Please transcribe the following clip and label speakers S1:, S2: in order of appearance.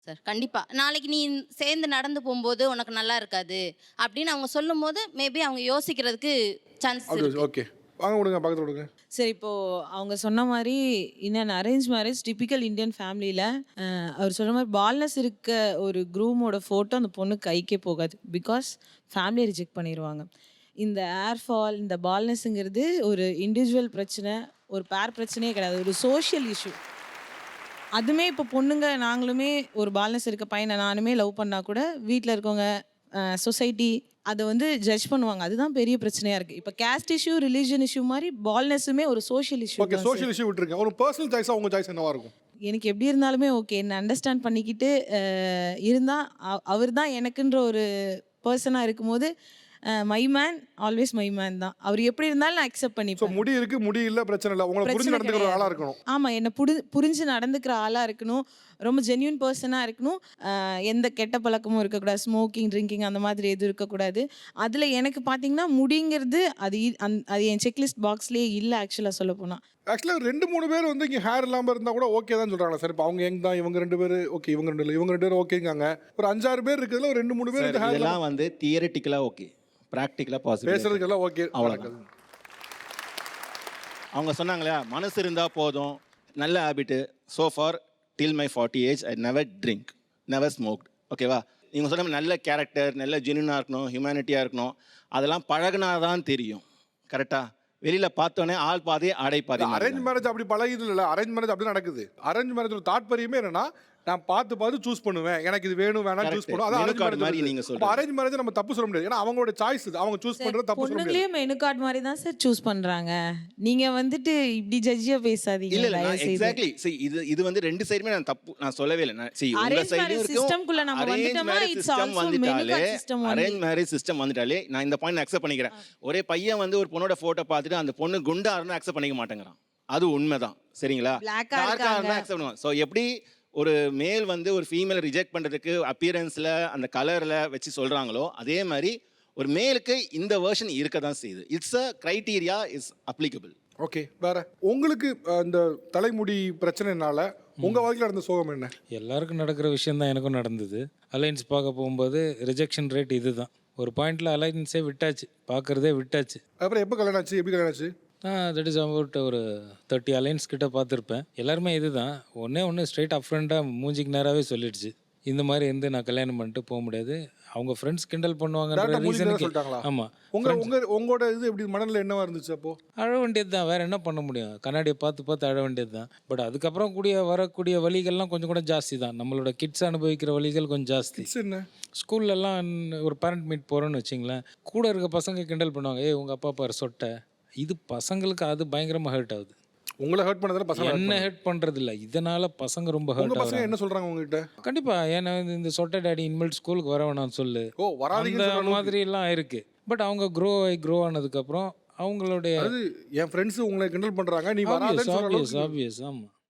S1: Sir. கண்டிப்பா. நாளைக்கு நீ சேர்ந்து நடந்து போம்போது உனக்கு நல்லா இருக்காது. அப்படின்னு அவங்க சொல்லும்போது, மேபி அவங்க யோசிக்கிறதுக்கு சான்ஸ்
S2: அப்படி
S1: இருக்கு.
S2: ஓகே. வாங்க விடுங்க, பக்கத்துல விடுங்க.
S3: சரி இப்போ அவங்க சொன்ன மாரி in an arrange marriage typical Indian ஃபேமிலியில அவர் சொல்ற மாரி பால்னஸ் இருக்க ஒரு க்ரூமோட ஃபோட்டோ அந்த பொண்ணு கைக்கே போகாது. பிகாஸ் ஃபேமிலியை ரிஜெக்ட் பண்ணிருவாங்க. இந்த ஏர் ஃபால், இந்த பால்னஸ்ங்கிறது ஒரு இண்டிவிஜுவல் பிரச்சனை, ஒரு பேர் பிரச்சனையே கிடையாது. ஒரு சோஷியல் இஷ்யூ. அதுமே இப்போ பொண்ணுங்க நாங்களுமே ஒரு பால்னஸ் இருக்க பையனை நானுமே லவ் பண்ணா கூட வீட்டில் இருக்கவங்க சொசைட்டி அதை வந்து ஜட்ஜ் பண்ணுவாங்க. அதுதான் பெரிய பிரச்சனையா இருக்கு. இப்போ கேஸ்ட் இஷ்யூ, ரிலீஜன் இஷ்யூ மாதிரி பால்னஸுமே ஒரு social issue.
S2: Okay, social issue விட்டுருங்க. ஒரு பர்சனல் சாய்ஸா உங்க சாய்ஸ் என்னவா இருக்கும்?
S3: எனக்கு எப்படி இருந்தாலுமே ஓகே. என்ன அண்டர்ஸ்டாண்ட் பண்ணிக்கிட்டு இருந்தால் அவர் தான் எனக்குன்ற ஒரு பர்சனாக இருக்கும்போது my man always my man தான். அவர் எப்படி இருந்தாலும் நான் அக்செப்ட்
S2: ஸோ
S3: பண்ணிப்பேன்.
S2: முடி இருக்கு, முடி இல்லை, பிரச்சனை இல்லை. உங்களை புரிஞ்சு
S3: பிரச்சனை
S2: நடந்துக்கிற ஒரு ஆளா
S3: கிடையாது.
S2: இருக்கணும்.
S3: ஆமாம், என்னை புரிஞ்சு நடந்துக்கிற ஆளாக இருக்கணும். ரொம்ப ஜென்யூன் பர்சனாக இருக்கணும். எந்த கெட்ட பழக்கமும் இருக்கக்கூடாது. ஸ்மோக்கிங், ட்ரிங்கிங் அந்த மாதிரி எதுவும் இருக்கக்கூடாது. அதில் எனக்கு பார்த்தீங்கன்னா முடிங்கிறது அது என் செக்லிஸ்ட் பாக்ஸ்லேயே இல்லை ஆக்சுவலாக சொல்ல போனால்.
S2: ஆக்சுவலாக 2-3 பேர் வந்து இங்கே ஹேர் இல்லாமல் இருந்தால் கூட ஓகே தான் சொல்கிறாங்களா சார்? இப்போ அவங்க எங்க தான் இவங்க 2 பேர் ஓகே, இவங்க 2 இல்லை, இவங்க 2 பேர் ஓகேங்காங்க. ஒரு 5-6 பேர் இருக்கிறதுல ஒரு 2-3 பேர் இந்த ஹேர்
S4: இதெல்லாம் வந்து தியரிட்டிக்கலாக ஓகே, ப்ராக்டிக்கலாக பாசிபிள்.
S2: பேசுறதுக்கெல்லாம் ஓகே.
S4: அவ்வளோதான். அவங்க சொன்னாங்களா, மனசு இருந்தால் போதும், நல்ல habit. So far till my 40 age I never drink, never smoked. ஓகேவா? நீங்கள் சொன்ன மாதிரி நல்ல கேரக்டர், நல்ல ஜென்யூனாக இருக்கணும், ஹியூமனிட்டியாக இருக்கணும். அதெல்லாம் பழகினாதான் தெரியும். கரெக்டாக? வெளியில் பார்த்தோன்னே ஆள் பாதி ஆடை பாதி.
S2: அரேஞ்ச் மேரேஜ் அப்படி பழகிது இல்லை. அரேஞ்ச் மேரேஜ் அப்படி நடக்குது. அரேஞ்ச் மேரேஜோட தாற்பயமே என்னன்னா, நான் பார்த்து சூஸ் பண்ணுவேன். எனக்கு இது வேணும் வேணாம் சூஸ் பண்ணுவோம். அது அரேஞ்ச் மேரேஜ் மாதிரி.
S4: நீங்க சொல்றீங்க.
S2: அரேஞ்ச் மேரேஜ் நம்ம தப்பு சொல்ல முடியாது. ஏன்னா அவங்களோட சாய்ஸ் இது. அவங்க சூஸ் பண்றது தப்பு சொல்ல முடியாது.
S3: பொண்ணுங்களே மெனு கார்டு மாதிரி தான் சார் சூஸ் பண்றாங்க. நீங்க வந்துட்டு இப்படி ஜட்ஜியா பேசாதீங்க.
S4: இல்ல இல்ல, எக்ஸாக்ட்லி. see இது வந்து ரெண்டு சைடுமே நான் தப்பு நான் சொல்லவே இல்லை. see உங்க சைடுலயும் இருக்கும்.
S3: சிஸ்டம்க்குள்ள நம்ம வந்துட்டோமா it's also menu card system.
S4: Arrange marriage system வந்துட்டாலே நான் இந்த பாயிண்ட் அக்செப்ட் பண்ணிக்கிறேன். ஒரே பையன் வந்து ஒரு பொண்ணோட போட்டோ பார்த்துட்டு அந்த பொண்ணு குண்டா இருந்தா அக்செப்ட் பண்ணிக்க மாட்டேங்கிறான். அது உண்மைதான். சரிங்களா? டார்க்கா இருந்தா அக்செப்ட் பண்ணுவான். ஸோ எப்படி ஒரு மேல் வந்து ஒரு ஃபீமேல் ரிஜெக்ட் பண்ணுறதுக்கு அப்பியரன்ஸில் அந்த கலரில் வச்சு சொல்கிறாங்களோ, அதே மாதிரி ஒரு மேலுக்கு இந்த வேர்ஷன் இருக்க தான் செய்யுது. It's a criteria, is applicable.
S2: Okay, வேற உங்களுக்கு இந்த தலைமுடி பிரச்சனைனால உங்கள் வாழ்க்கையில் நடந்த சோகம் என்ன?
S5: எல்லாருக்கும் நடக்கிற விஷயம் தான் எனக்கும் நடந்தது. அலைன்ஸ் பார்க்க போகும்போது ரிஜெக்ஷன் ரேட் இதுதான். ஒரு பாயிண்டில் அலைன்ஸே விட்டாச்சு, பார்க்குறதே விட்டாச்சு.
S2: அப்புறம் எப்போ கல்யாணம் ஆச்சு? எப்படி கல்யாணம் ஆச்சு?
S5: தட் இஸ் அபவுட் ஒரு 30 அலைன்ஸ் கிட்ட பார்த்துருப்பேன். எல்லாருமே இதுதான். ஒன்று ஸ்ட்ரெயிட் அப் ஃப்ரெண்டாக மூஞ்சிக்கு நேராகவே சொல்லிடுச்சு, இந்த மாதிரி இருந்து நான் கல்யாணம் பண்ணிட்டு போக முடியாது. அவங்க ஃப்ரெண்ட்ஸ் கிண்டல் பண்ணுவாங்கன்ற ரீசனுக்கு. ஆமாம்.
S2: உங்களோட இது எப்படி மனநிலை என்னவா இருந்துச்சு? அப்போ
S5: அழ வேண்டியது தான், வேறு என்ன பண்ண முடியும்? கண்ணாடியை பார்த்து அழ வேண்டியது தான். பட் அதுக்கப்புறம் வரக்கூடிய வழிகள்லாம் கொஞ்சம் கூட ஜாஸ்தி தான். நம்மளோட கிட்ஸ் அனுபவிக்கிற வழிகள் கொஞ்சம் ஜாஸ்தி.
S2: என்ன
S5: ஸ்கூல்லலாம் ஒரு பேரண்ட் மீட் போகிறோன்னு வச்சிங்களேன், கூட இருக்க பசங்க கிண்டல் பண்ணுவாங்க, ஏய் உங்கள் அப்பா பாரு சொட்டை. இது பசங்களுக்கு அது பயங்கரமாக ஹர்ட் ஆகுது.
S2: உங்களை ஹர்ட் பண்ணதால பசங்க
S5: என்ன ஹர்ட் பண்ணுறது இல்லை, இதனால் பசங்க ரொம்ப ஹர்ட் ஆகுது.
S2: பசங்க என்ன சொல்கிறாங்க உங்ககிட்ட?
S5: கண்டிப்பாக. ஏன்னா இந்த சொட்டை டேடி இனிமேல் ஸ்கூலுக்கு வர வேணாம்னு சொல்லு, அந்த மாதிரிலாம் இருக்குது. பட் அவங்க க்ரோ ஆனதுக்கப்புறம் அவங்களுடைய
S2: என் ஃப்ரெண்ட்ஸ் உங்களை கிண்டல் பண்ணுறாங்க, நீ வராதேன்னு
S5: ஆப்வியஸ். ஆமாம்.